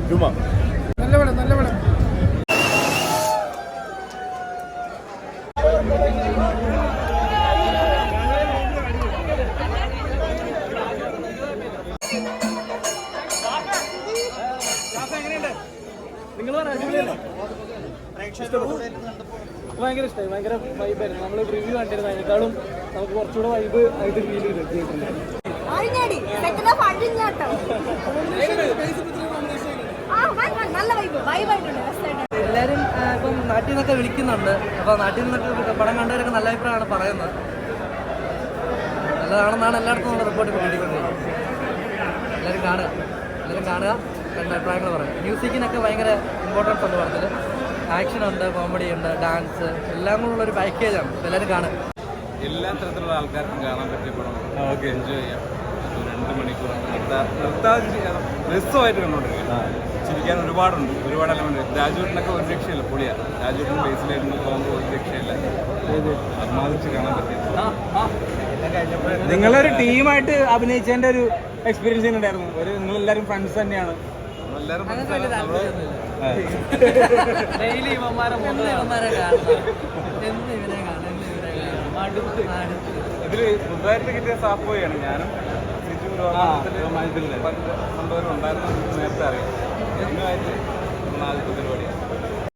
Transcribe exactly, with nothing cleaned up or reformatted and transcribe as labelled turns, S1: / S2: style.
S1: ജുമ
S2: നല്ല പടം നല്ല പടം ഭയങ്കര ഇഷ്ടമായി. ഭയങ്കര വൈബായിരുന്നു. നമ്മൾ റിവ്യൂ കണ്ടിരുന്നു, അതിനേക്കാളും നമുക്ക് കുറച്ചുകൂടെ വൈബ് ആയിട്ട് ഫീൽ ചെയ്തു തിയേറ്ററിൽ.
S3: എല്ലാവരും ഇപ്പം നാട്ടിൽ നിന്നൊക്കെ വിളിക്കുന്നുണ്ട്. അപ്പോൾ നാട്ടിൽ നിന്നൊക്കെ പടം കണ്ടവരൊക്കെ നല്ല അഭിപ്രായമാണ് പറയുന്നത്. നല്ലതാണെന്നാണ് എല്ലായിടത്തും നമ്മുടെ റിപ്പോർട്ട് ഇപ്പോൾ കിട്ടിക്കൊണ്ടിരിക്കുന്നത്. എല്ലാവരും കാണുക എല്ലാവരും കാണുക രണ്ട് അഭിപ്രായങ്ങൾ പറയാം. മ്യൂസിക്കിനൊക്കെ ഭയങ്കര ഇമ്പോർട്ടൻസ് ഉണ്ട് പടത്തിൽ. ആക്ഷനുണ്ട്, കോമഡി ഉണ്ട്, ഡാൻസ് എല്ലാം കൂടെ ഉള്ളൊരു പാക്കേജാണ്. എല്ലാവരും കാണുക.
S4: എല്ലാ തരത്തിലുള്ള ആൾക്കാർക്കും കാണാൻ പറ്റിയ പടം. ഓക്കെ, എൻജോയ് ചെയ്യാം. രണ്ട് മണിക്കൂർ നിർത്താതെ രസമായിട്ട് കണ്ടുകൊണ്ടിരിക്കുക. ചിരിക്കാൻ ഒരുപാടുണ്ട്, ഒരുപാട് എലമെന്റ്. രാജുവിനൊക്കെ ഒരു രക്ഷയില്ല, പൊളിയാണ്. രാജുവിന് ബേസിലായിരുന്നു പോകുമ്പോൾ ഒരു രക്ഷയില്ല. അഭിമാനിച്ച് കാണാൻ പറ്റിയത്.
S1: നിങ്ങളൊരു ടീമായിട്ട് അഭിനയിച്ചതിന്റെ ഒരു എക്സ്പീരിയൻസ് ഉണ്ടായിരുന്നു. ഒരു നിങ്ങളെല്ലാവരും ഫ്രണ്ട്സ് തന്നെയാണ്.
S4: നമ്മളെല്ലാവരും
S3: ഡെയിലി ഇവന്മാരെ ഇവന്മാരെ കാണണം. എന്ന് ഇവരെ കാണണം, എന്ന് ഇവരെ കാണണം.
S4: ഇതില് പുതുതായിട്ട് കിട്ടിയ സാപ്പോയാണ്. ഞാനും സിജു മണ്ടവരും ഉണ്ടായിരുന്നു നേരത്തെ അറിയാം. ഇതിനായിട്ട് നമ്മൾ ആദ്യത്തെ പരിപാടി